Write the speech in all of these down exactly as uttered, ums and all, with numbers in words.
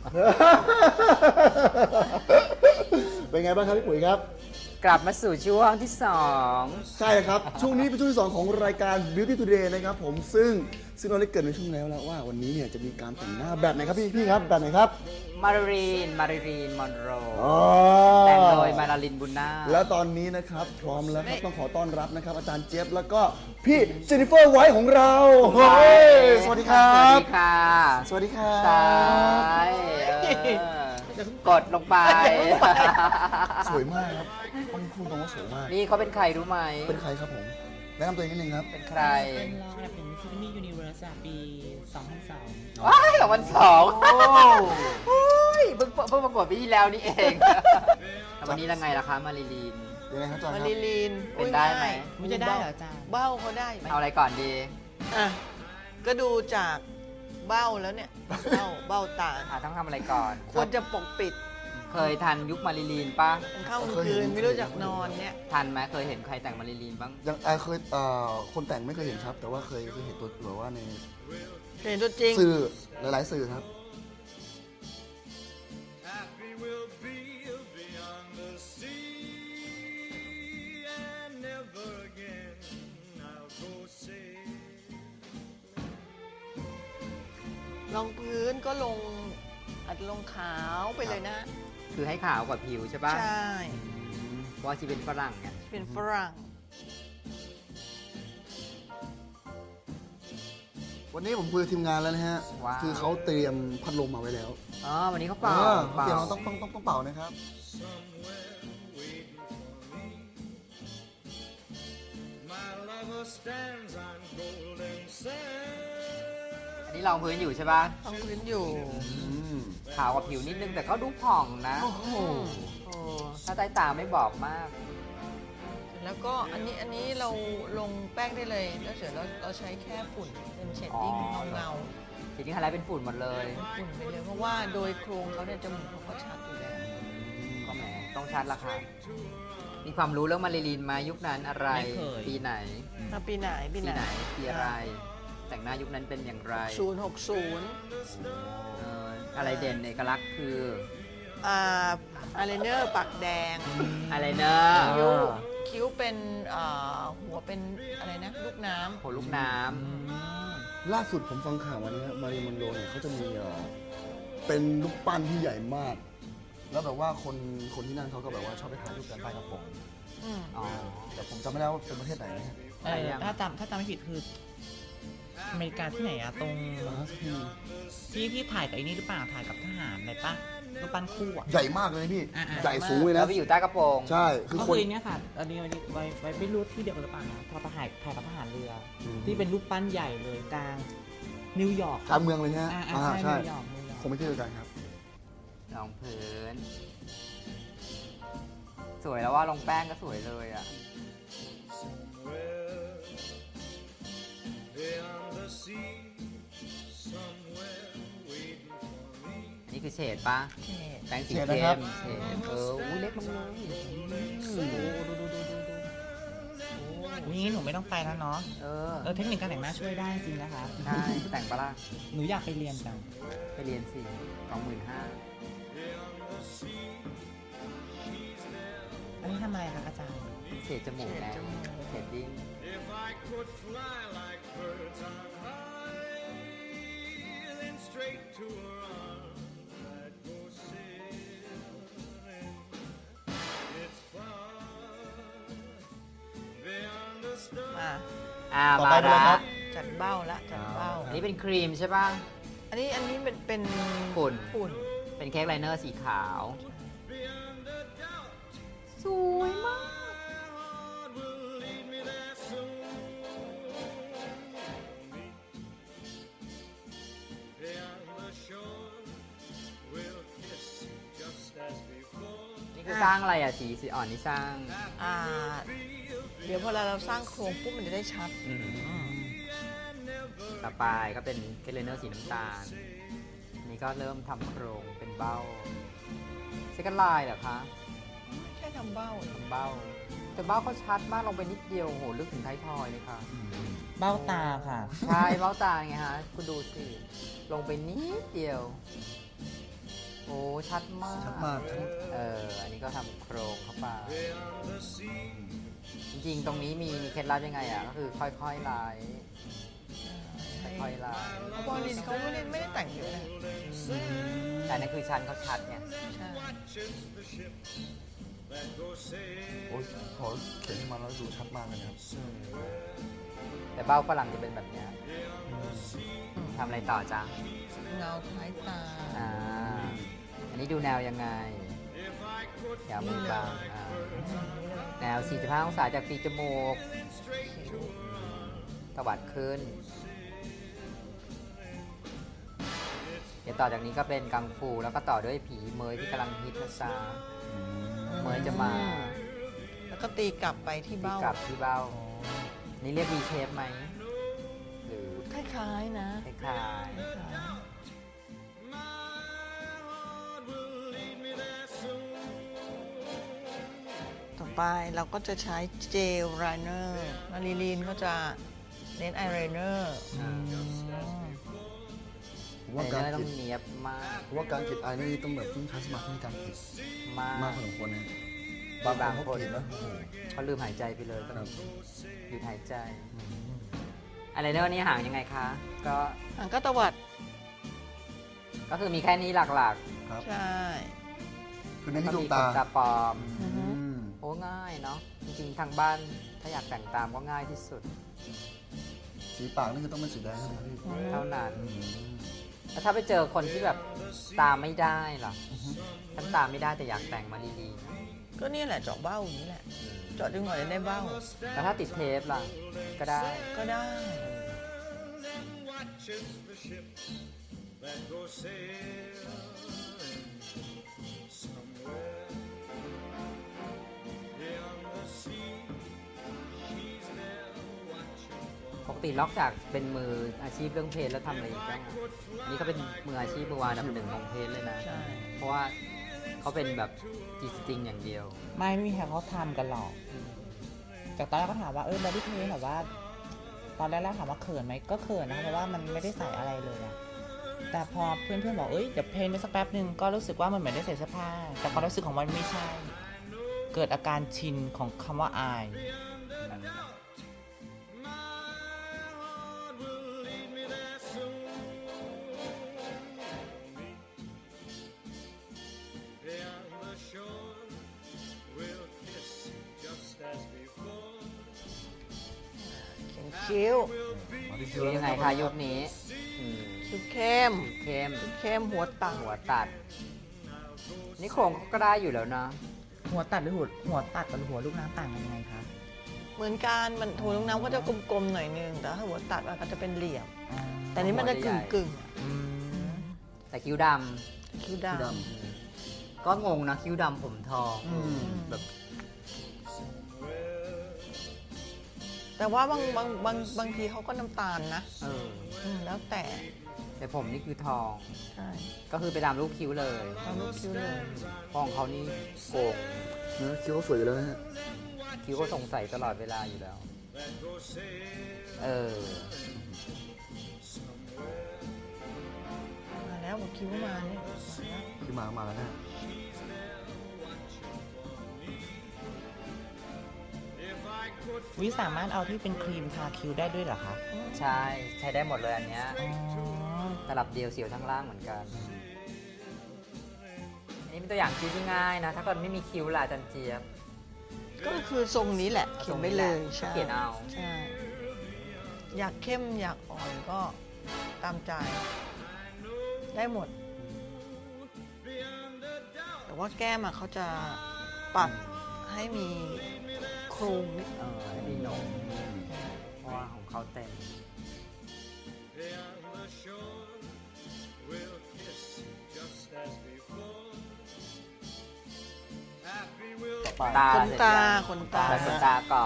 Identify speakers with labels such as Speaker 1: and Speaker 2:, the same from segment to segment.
Speaker 1: เป็นไงบ้างครับพี่ปุ๋ยครับ
Speaker 2: กลับมาสู่ช่วงที่สอง
Speaker 1: ใช่ครับช่วงนี้เป็นช่วงที่สองของรายการ Beauty Today นะครับผมซึ่งซึ่งเราได้เกริดในช่วงแล้วแล้วว่าวันนี้เนี่ยจะมีการแต่งหน้าแบบไหนครับพี่พี่ครับแบบไหนครับ
Speaker 2: มารีนมารีนมอนโร
Speaker 1: อ๋อ
Speaker 2: แต่งโดยมาราลินบุญนาค
Speaker 1: แล้วตอนนี้นะครับพร้อมแล้วครับต้องขอต้อนรับนะครับอาจารย์เจี๊ยบแล้วก็พี่เจนนิเฟอร์ไวท์ของเราเฮ้ยสวัสดีครั
Speaker 2: สวัส
Speaker 1: บ
Speaker 2: ดีค่ะ
Speaker 1: สวัสดีครับ
Speaker 2: ตายเออกดลงไป
Speaker 1: สวยมากครับคนพูดตรงว่าสวยมาก
Speaker 2: นี่เขาเป็นใครรู้ไหม
Speaker 1: เป็นใครครับผมแนะนำตัวเองนิดนึงครับ
Speaker 2: เป็นใคร
Speaker 3: เป็นรองอันดับหนึ่งมิสซิสซิปปียูนิเวอร์สปีสองพันสอง
Speaker 2: ว้ายสองพันสองโอ้ยเพิ่งเพิ่งประกวดปีที่แล้วนี่เองวันนี้ยังไงล่ะคะมารีลีน
Speaker 1: ยังไงครับอาจารย์ค
Speaker 4: มา
Speaker 1: รับ
Speaker 4: รีลีน
Speaker 2: เป็นได้ไหม
Speaker 3: ไม่จะได้เหรออาจารย์
Speaker 4: เบ้าเขาได้ไหม
Speaker 2: เอาอะไรก่อนดี
Speaker 4: อ่ะก็ดูจากเบ้าแล้วเนี่ยเบ้าเบ้าตา
Speaker 2: อ่ะต้องทำอะไรก่อน
Speaker 4: ควรจะปกปิด
Speaker 2: เคยทันยุคมารีลีนปะ
Speaker 4: มันเข้ากลางคืนไม่รู้จักนอนเนี่ย
Speaker 2: ทันไหมเคยเห็นใครแต่งมารีลีนบ้าง
Speaker 1: ยังเอ่อเคยเอ่อคนแต่งไม่เคยเห็นครับ แต่ว่าเคยเคยเห็นตัวแบบว่าใน
Speaker 4: เห็นตัวจริง
Speaker 1: สื่อหลายๆสื่อครับ
Speaker 4: รองพื้นก็ลงอัดลงขาวไปเลยนะ
Speaker 2: คือให้ขาวกว่าผิวใช่ปะ
Speaker 4: ใช่
Speaker 2: เพราะว่าชีเป็นฝรั่งเนี่ย
Speaker 4: เป็นฝรั่ง
Speaker 1: วันนี้ผมคุยกับทีมงานแล้วนะฮะคือเขาเตรียมพัดลมมาไว้แล้ว
Speaker 2: อ๋อวันนี้เขาเป่า
Speaker 1: เป่าต้องต้องต้องต้องเป่านะครับ
Speaker 2: อันนี้รองพื้นอยู่ใช่ปะ
Speaker 4: รองพื้นอยู่
Speaker 2: ขาวกว่าผิวนิดนึงแต่ก็ดูผ่องนะโอ้โหถ้าใต้ตาไม่บอกมาก
Speaker 4: แล้วก็อันนี้อันนี้เราลงแป้งได้เลยแล้วเสร็จเราเราใช้แค่ฝุ่นเป็นเชดดิ้งเงาเงา
Speaker 2: เชดดิ้งอะไรเป็นฝุ่นหมดเลย
Speaker 4: ฝุ่นไปเลยเพราะว่าโดยโครงเขาเนี่ยจมูกเขาก็ชัดอยู่แล้ว
Speaker 2: ก็แหมต้องชัดละค่ะมีความรู้เรื่องมารีลีนมายุคนั้นอะไรปีไหน
Speaker 4: ปีไหนปีไหน
Speaker 2: ปีอะไรแต่งหน้ายุคนั้นเป็นอย่างไร
Speaker 4: ศูนย์หกศูนย์
Speaker 2: อะไรเด่นเอกลักษณ์คือ
Speaker 4: อ่าอายไลเนอร์ปากแดง
Speaker 2: อายไลเนอร์
Speaker 4: คิ้วคิ้วเป็นหัวเป็นอะไรนะลูกน้ำ
Speaker 2: หัวลูกน้
Speaker 1: ำล่าสุดผมฟังข่าววันนี้มารีมอนโรเนี่ยเขาจะมีเป็นลูกปั้นที่ใหญ่มากแล้วแบบว่าคนคนที่นั่นเขาก็แบบว่าชอบไปถ่ายรูปกันใต้กระโปรงแต่ผมจำไม่ได้ว่าเป็นประเทศไหนนะ
Speaker 3: ถ้าจำถ้าจำไม่ผิดคืออเมริกาที่ไหนอะตรงที่ที่ถ่ายกับไอ้นี่หรือเปล่าถ่ายกับทหารอะไรปะรูปปั้นคู่อะ
Speaker 1: ใหญ่มากเลยพี่ใหญ่สูงเลยนะ
Speaker 2: แล้วไปอยู่ใต้กระโปรง
Speaker 1: ใช่
Speaker 3: คือคนเนี้ยค่ะอันนี้วันนี้ไว้ไว้ไม่รู้ที่เดียวกันหรือเปล่านะพอถ่ายถ่ายกับทหารเรือที่เป็นรูปปั้นใหญ่เลยกลางนิวยอร์ก
Speaker 1: กลางเมืองเลยฮะ
Speaker 3: อ่าใช่
Speaker 1: คงไม่ใช่เดียวกันครับ
Speaker 2: รองพื้นสวยแล้วว่าลงแป้งก็สวยเลยอ่ะนี่คือเฉดปะแป้งสีเข้มเฉดเอออุ้ยเล็กลงเลย
Speaker 3: ดูดูดูดูดูดูนี่หนูไม่ต้องไปแล้วเนาะเออเออเทคนิคการแต่งหน้าช่วยได้จริงนะคะ
Speaker 2: ใช่แต่งปะล่ะ
Speaker 3: หนูอยากไปเรียนจัง
Speaker 2: ไปเรียนสิสองหมื่นห้า
Speaker 3: อันนี้ทำอะไรคะอาจารย์
Speaker 2: เฉดจมูกแล้วเฉดดิ้ง
Speaker 4: มา
Speaker 2: อ่ามาแล้ว
Speaker 4: จัดเบ้าละจัดเบ้า
Speaker 2: อันนี้เป็นครีมใช่ป่ะ
Speaker 4: อันนี้อันนี้เป็นเป็น
Speaker 2: ฝุ่น
Speaker 4: ฝุ่น
Speaker 2: เป็นเค้กไลเนอร์สีขาวสวยมากนี่คือสร้างอะไรอ่ะสีสีอ่อนนี่สร้าง
Speaker 4: อ่าเดี๋ยวพอเราเราสร้างโครงปุ๊บมันจะได้ชัด
Speaker 2: ต่อไปก็เป็นเค้กไลเนอร์สีน้ำตาลนี่ก็เริ่มทำโครงเป็นเบ้าเซ็กไลน์เหรอคะ
Speaker 4: แค่ทำเบ้า
Speaker 2: ทำเบ้าแต่เบ้าเขาชัดมากลงไปนิดเดียวโหลึกถึงท้ายทอยเลยค่ะ
Speaker 3: เบ้าตาค่ะ
Speaker 2: ใช่เบ้าตาไงฮะคุณดูสิลงไปนิดเดียวโอ้ชัดมาก
Speaker 1: ชัดมากทั้ง
Speaker 2: เอออันนี้ก็ทำโครงเข้าไปจริงๆ ตรงนี้มีมีเคล็ดลับยังไงอ่ะก็คือค่อยๆไล่ค่อยๆไล่
Speaker 4: เพราะว่าลินเขาไม่ได้ไม่ได้แต่งเยอะนะ
Speaker 2: แต่นั่นคือชั้นเขาชัดไง
Speaker 4: ใช่
Speaker 1: โอ้ยพอเขียนขึ้นมาแล้วดูชัดมากเลยนะครับ
Speaker 2: แต่เบ้าฝรั่งจะเป็นแบบเนี้ยทำอะไรต่อจ๊ะ
Speaker 4: เงาท้ายตา
Speaker 2: อ่าอันนี้ดูแนวยังไงแถวมือบางอ่าแนว สี่สิบห้า องศาจากปีกจมูกตวัดขึ้น เดี๋ยวต่อจากนี้ก็เป็นกังฟูแล้วก็ต่อด้วยผีเมยที่กำลังฮิตนะจ๊ะเมยจะมา
Speaker 4: แล้วก็ตีกลับไปที่
Speaker 2: ที่
Speaker 4: เบ้าก
Speaker 2: ลับที่เบ้า นี่เรียก V shape ไหม หรือ
Speaker 4: คล้ายๆนะ
Speaker 2: คล้าย
Speaker 4: คล้ายๆต่อไปเราก็จะใช้เจลไลเนอร์มาริลีนก็จะเน้นไอไลเนอร์
Speaker 2: ๆอ่า
Speaker 1: ผม
Speaker 2: ไอ
Speaker 1: ว่า
Speaker 2: เน
Speaker 1: การ
Speaker 2: อร์ต้อ
Speaker 1: ขี
Speaker 2: ง
Speaker 1: ด
Speaker 2: เนียบมาก
Speaker 1: ผมว่าการขีดไอนี่ต้องแบบต้องใช้สมาธิในการขีด
Speaker 2: มาก
Speaker 1: มากพอสมควรนะบาง
Speaker 2: บาง
Speaker 1: คน
Speaker 2: ค
Speaker 1: เขา
Speaker 2: น
Speaker 1: ขีดนะโอ้โห
Speaker 2: เขาลืมหายใจไปเลยต้อง
Speaker 1: ครับ
Speaker 2: หยุดหายใจไอไลเนอร์นี่ห่างยังไงคะ ก็
Speaker 4: อ่ะก็ตวัด
Speaker 2: ก็คือมีแค่นี้หลัก
Speaker 1: ครับ
Speaker 4: ใช่
Speaker 1: คือ
Speaker 2: ๆ
Speaker 1: เน้น
Speaker 2: ก็
Speaker 1: ที่ดว
Speaker 2: มี
Speaker 1: ง
Speaker 2: ข
Speaker 1: ตาน
Speaker 2: ตาปลอม
Speaker 4: อือฮึ
Speaker 1: อืม
Speaker 2: โอ้ง่ายเนาะ จริงๆ ทางบ้านถ้าอยากแต่งตามก็ง่ายที่สุด
Speaker 1: สีปากนี่คือต้องเป็นสีแดงใช่ไหมครับพี่
Speaker 2: เท่านั้น
Speaker 1: อืม
Speaker 2: แล้วถ้าไปเจอคนที่แบบตามไม่ได้ล่ะฉันตามไม่ได้แต่อยากแต่งมาดีๆนะ
Speaker 4: ก็เนี่ยแหละเจาะเบ้าอย่างนี้แหละ เจาะดึงหน่อยได้เบ้า
Speaker 2: แล้วถ้าติดเทปล่ะ ก็ได้
Speaker 4: ก็ได้
Speaker 2: ปกตินอกจากเป็นมืออาชีพเรื่องเพลงแล้วทำอะไรอีกบ้างอะอันนี้เขาเป็นมืออาชีพมือวางอันดับหนึ่งของเพลงเลยนะ
Speaker 4: ใช่
Speaker 2: เพราะว่าเขาเป็นแบบจีสติงอย่างเดียว
Speaker 3: ไม่ไม่มีใครเขาทำกันหรอก จากตอนแรกก็ถามว่าเออบอดี้เพลแบบว่า ตอนแรกๆถามว่าเขินไหมก็เขินนะคะเพราะว่ามันไม่ได้ใส่อะไรเลยอะแต่พอเพื่อนๆบอกเอ้ยเดี๋ยวเพลงไปสักแป๊บหนึ่งก็รู้สึกว่ามันเหมือนได้ใส่เสื้อผ้า แต่ความรู้สึกของมันไม่ใช่ เกิดอาการชินของคำว่าอาย
Speaker 4: เขียนคิ้ว
Speaker 1: มาที่
Speaker 2: คือยังไงคะยุคนี้อืม
Speaker 4: คิ้วเข้ม
Speaker 2: เข้ม
Speaker 4: เข้มหัวต่
Speaker 2: หัวตัด นี่โครงก็ได้อยู่แล้วนะ
Speaker 3: หัวตัดหรือหัวหัวตัดกับหัวลูกน้ำต่างกันยังไงคะ
Speaker 4: ำเหมือนกันมันถั่วลูกน้ำก็จะกลมๆหน่อยนึง แต่ถ้าหัวตัดมันก็จะเป็นเหลี่ยม
Speaker 3: อ๋อ
Speaker 4: แต่นี้มันจะ
Speaker 2: หัว
Speaker 4: กึ่
Speaker 2: ให
Speaker 4: ง
Speaker 2: ญ่
Speaker 4: กึ่ง
Speaker 3: อืม
Speaker 2: แต่คิ้วด
Speaker 4: คิ้ว
Speaker 1: สี
Speaker 4: ดำ
Speaker 1: ด
Speaker 2: ำก็งงนะคิ้วดำผมทอง
Speaker 1: อืม
Speaker 2: แบบ
Speaker 4: แต่ว่าบางบางบางบางทีเขาก็น้ำตาลนะ
Speaker 2: เออ
Speaker 4: อืมแล้วแต่
Speaker 2: แต่ผมนี่คือทอง
Speaker 4: ใช่
Speaker 2: ก็คือไปตามรูปคิ้วเลย
Speaker 4: ตามรูปคิ้วเลย
Speaker 2: เพราะของเขานี่โกง
Speaker 1: ำเนื้อคิ้วเขาสวยอยู่แล้วนะฮะ
Speaker 2: คิ้วก็สงสัยตลอดเวลาอยู่แล้ว เออ
Speaker 4: มาแล้วบอกคิ้วมาเนี่ยมาแล้ว
Speaker 1: คือมามาแล้วนะ
Speaker 3: วิสามารถเอาที่เป็นครีมทาคิ้วได้ด้วยเหรอคะ
Speaker 2: ใช่ ใช้ได้หมดเลยอันเนี้ย
Speaker 3: อ๋อ
Speaker 2: ตลับเดียวเสียวทั้งล่างเหมือนกัน อันนี้เป็นตัวอย่างคิ้วที่ง่ายนะ ถ้าเกิดไม่มีคิ้วล่ะอาจันเจี๊ยบ
Speaker 4: ก็คือทรงนี้แหละ เขียนไปเลย ใช่
Speaker 2: เขียนเอา
Speaker 4: ใช่ อยากเข้มอยากอ่อนก็ตามใจ ได้หมด แต่ว่าแก้มอะเขาจะปัดให้มีโครงนิด
Speaker 2: เออให้มีหนมเพราะว่าของเขาเต็ม
Speaker 1: ต่อไป
Speaker 2: ตา
Speaker 4: ขนตา
Speaker 2: เสร็จยัง
Speaker 4: ขนตา
Speaker 2: แต่ขนตาก่อน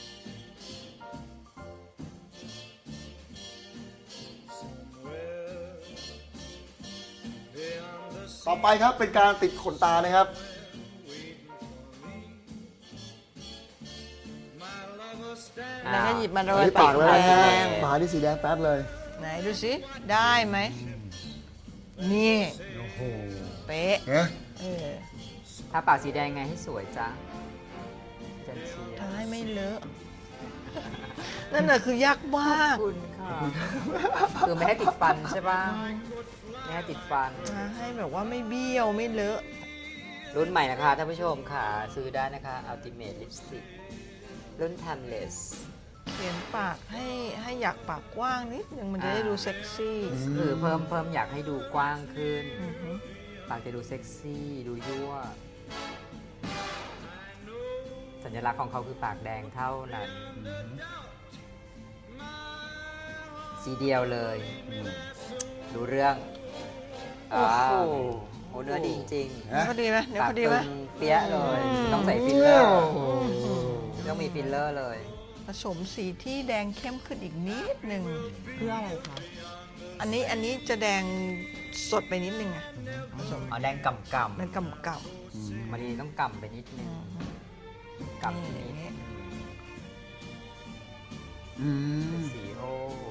Speaker 5: Somewhere
Speaker 1: ต่อไปครับเป็นการติดขนตานะครับ
Speaker 4: แล้วก็หยิบมาโร
Speaker 1: อัน
Speaker 4: ย
Speaker 1: นี้
Speaker 4: ปา
Speaker 1: ปาก กเลยนะ
Speaker 4: แด
Speaker 1: ฮะ
Speaker 4: ง
Speaker 1: ปากที่สีแดงแป๊ดเลย
Speaker 4: ไหนดูสิ ได้ไหม นี่
Speaker 1: โอ้โห
Speaker 4: เป๊ะ
Speaker 1: เนี่ย
Speaker 4: เออ
Speaker 2: ถ้าปากสีแดงไงให้สวยจ้าจันเชียร์
Speaker 4: ทาให้ไม่เลอะ นั่นน่ะคือยากมาก
Speaker 2: คุณค่ะคือไม่ให้ติดฟันใช่ป่ะไม่ให้ติดฟัน
Speaker 4: ทาให้แบบว่าไม่เบี้ยวไม่เลอะ
Speaker 2: รุ่นใหม่นะคะท่านผู้ชมค่ะ ซื้อได้นะคะ Ultimate Lipstick รุ่น Timeless
Speaker 4: เขียนปากให้ให้อยากปากกว้างนิดนึงมันจะได้ดูเซ็กซี่
Speaker 2: คือเพิ่มเพิ่มอยากให้ดูกว้างขึ้น
Speaker 4: อือหือ
Speaker 2: ปากจะดูเซ็กซี่ ดูยั่ว สัญลักษณ์ของเขาคือปากแดงเท่านั้น สีเดียวเลย ดูเรื่อง
Speaker 4: โอ้โห
Speaker 2: าโอ้เนื้อดีจริง
Speaker 1: ฮะ
Speaker 4: พอดีไหมเดี๋ยว
Speaker 2: ปาก
Speaker 4: พอดี
Speaker 2: ตึ
Speaker 4: ไหม
Speaker 2: งเปี้ยะเลย
Speaker 4: อืม
Speaker 2: ต้องใส่ฟิลเลอร์ต้องมีฟิลเลอร์เลย
Speaker 4: ผสมสีที่แดงเข้มขึ้นอีกนิดหนึ่ง
Speaker 3: เพื่ออะไรคะ
Speaker 4: อันนี้อันนี้จะแดงสดไปนิดนึงอะผสม
Speaker 2: เอาแดงก่ำก่
Speaker 4: มันกำกับ
Speaker 2: ำมารีต้องก่ำไปนิดนึงก่ำนิด
Speaker 4: นี่
Speaker 1: อืม
Speaker 2: สีโอ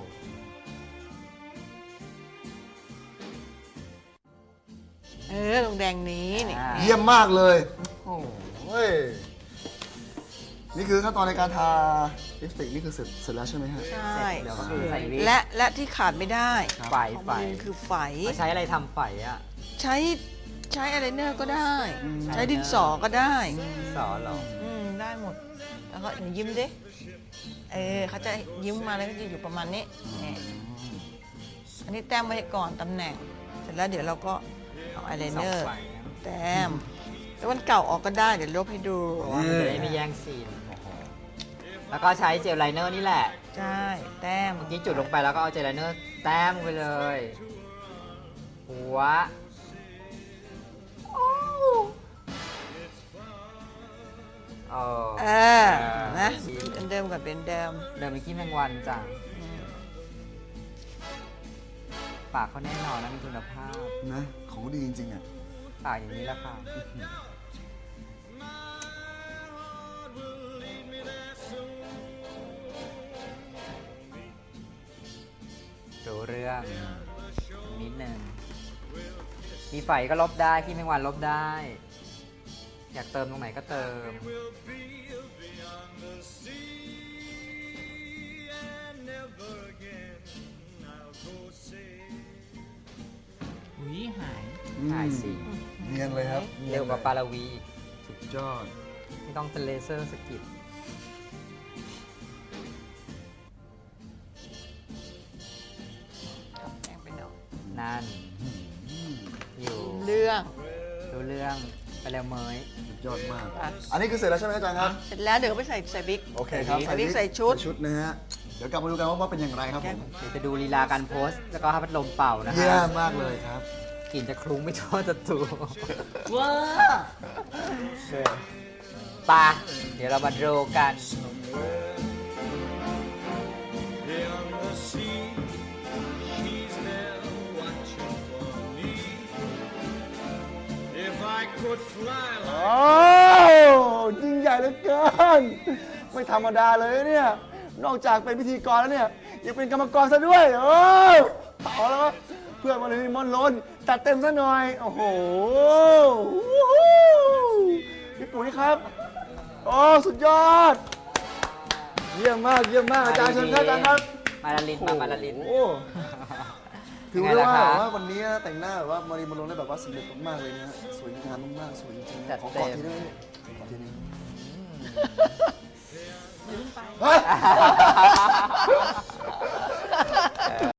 Speaker 4: เออตรงแดงนี้นี่
Speaker 2: อ่า
Speaker 1: เยี่ยมมากเลย
Speaker 2: โอ้
Speaker 1: เฮ้ย นี่คือขั้นตอนในการทาลิปสติกนี่คือเสร็จเสร็จแล้วใช่ไหมฮะ
Speaker 4: ใช่
Speaker 2: เดี๋ยวก็คือใส่วิก
Speaker 4: และและที่ขาดไม่ได้
Speaker 2: ไฟ
Speaker 4: ของ
Speaker 2: ไฟ
Speaker 4: มันคือไฝ
Speaker 2: เขาใช้อะไรทำไฟอ่ะ
Speaker 4: ใช้ใช้อะไรเนอร์ก็ได้
Speaker 1: อืม
Speaker 4: ใช้ดินสอก็ได้
Speaker 2: สอนเหรอ
Speaker 4: อืมได้หมด แล้วก็ยิ้มดิเออเขาจะยิ้มมาแล้วก็จะอยู่ประมาณนี้นี่อันนี้แต้มไว้ก่อนตำแหน่ง เสร็จแล้วเดี๋ยวเราก็เอาอายไลเนอร์
Speaker 2: สองไฟนะ
Speaker 4: แต้มแล้ววันเก่าออกก็ได้เดี๋ยวลบให้ดู
Speaker 2: เพราะว่ามันจะได้ไม่แย่งซีน แล้วก็ใช้เจลไลเนอร์นี่แหละ
Speaker 4: ใช่แต้ม
Speaker 2: เมื่อกี้จุดลงไปแล้วก็เอาเจลไลเนอร์แต้มลงไปเลย หัวโอ้เออ
Speaker 4: เออนะเป็นเดิมกับเป็นเดิม
Speaker 2: เดิมเมื่อกี้แมงวันจ้ะ
Speaker 4: อืม
Speaker 2: ปากเขาแน่นอนนะมีคุณภาพ
Speaker 1: นะ ของดีจริงๆอ่ะ
Speaker 2: ปากอย่างนี้แหละค่ะรู้เรื่องนิดนึงมีไฟก็ลบได้ขี้แมงวันลบได้ อยากเติมตรงไหนก็เติม
Speaker 3: อุ้ยหาย
Speaker 2: หายสิ
Speaker 1: เนียนเลยครับ
Speaker 2: เร็วกว่าปาราวีอีก
Speaker 1: สุดยอด
Speaker 2: ไม่ต้องเป็นเลเซอร์สกิด
Speaker 4: ครับแต้มไปหน่อย
Speaker 2: นั่น อยู่
Speaker 4: เรื่อง
Speaker 2: รู้เรื่องไปแล้วเมย
Speaker 1: สุดยอดมาก
Speaker 4: อ่ะ
Speaker 1: อันนี้คือเสร็จแล้วใช่ไหมอาจารย์ครับ
Speaker 4: เสร็จแล้วเดี๋ยวไปใส่ใส่บิ๊ก
Speaker 1: โอเคครับ
Speaker 4: ใส่วิกใส่ชุด
Speaker 1: ชุดนะฮะ เดี๋ยวกลับมาดูกันว่าว่าเป็นอย่างไรครับผม
Speaker 2: เดี๋ยวจะดูลีลาการโพสต์ แล้วก็ให้พัดลมเป่านะ
Speaker 1: เยี่
Speaker 2: ฮะ
Speaker 1: ยมมากเลยครับ
Speaker 2: กลิ่นจะคลุ้งไม่ทั่วจะตู
Speaker 3: ว้า
Speaker 2: ปะเดี๋ยวเรามาดูกัน
Speaker 5: Beyond the sea, she's there watching for me. If I could fly
Speaker 1: โอ้ยิ่งใหญ่เหลือเกิน ไม่ธรรมดาเลยเนี่ย นอกจากเป็นพิธีกรแล้วเนี่ย ยังเป็นกรรมกรซะด้วย โอ้เอาแล้ววะเพื่อนมาเลยมอนล้นจัดเต็มซะหน่อย โอ้โหพี่ปุ๋ยครับ โอ้ สุดยอด เยี่ยมมาก เยี่ยมมาก อาจารย์เชิญครับอาจารย์ครับ
Speaker 2: มาลาลินมามาลาลิน
Speaker 1: โอ้ถือ
Speaker 2: เป็นไง
Speaker 1: ได้
Speaker 2: ล่ะ
Speaker 1: ว่า
Speaker 2: คะ
Speaker 1: แบบว่าวันนี้แต่งหน้าแบบว่ามารีมาลงได้แบบว่าสำเร็จมากๆเลยนะฮะสวยงามมากๆสวยจริง
Speaker 2: จัด
Speaker 1: ๆขอ
Speaker 2: เต็
Speaker 1: กอด
Speaker 2: ม
Speaker 1: ทีได้ไหมขอทีนึง
Speaker 4: ลืมไป
Speaker 1: เฮ้ย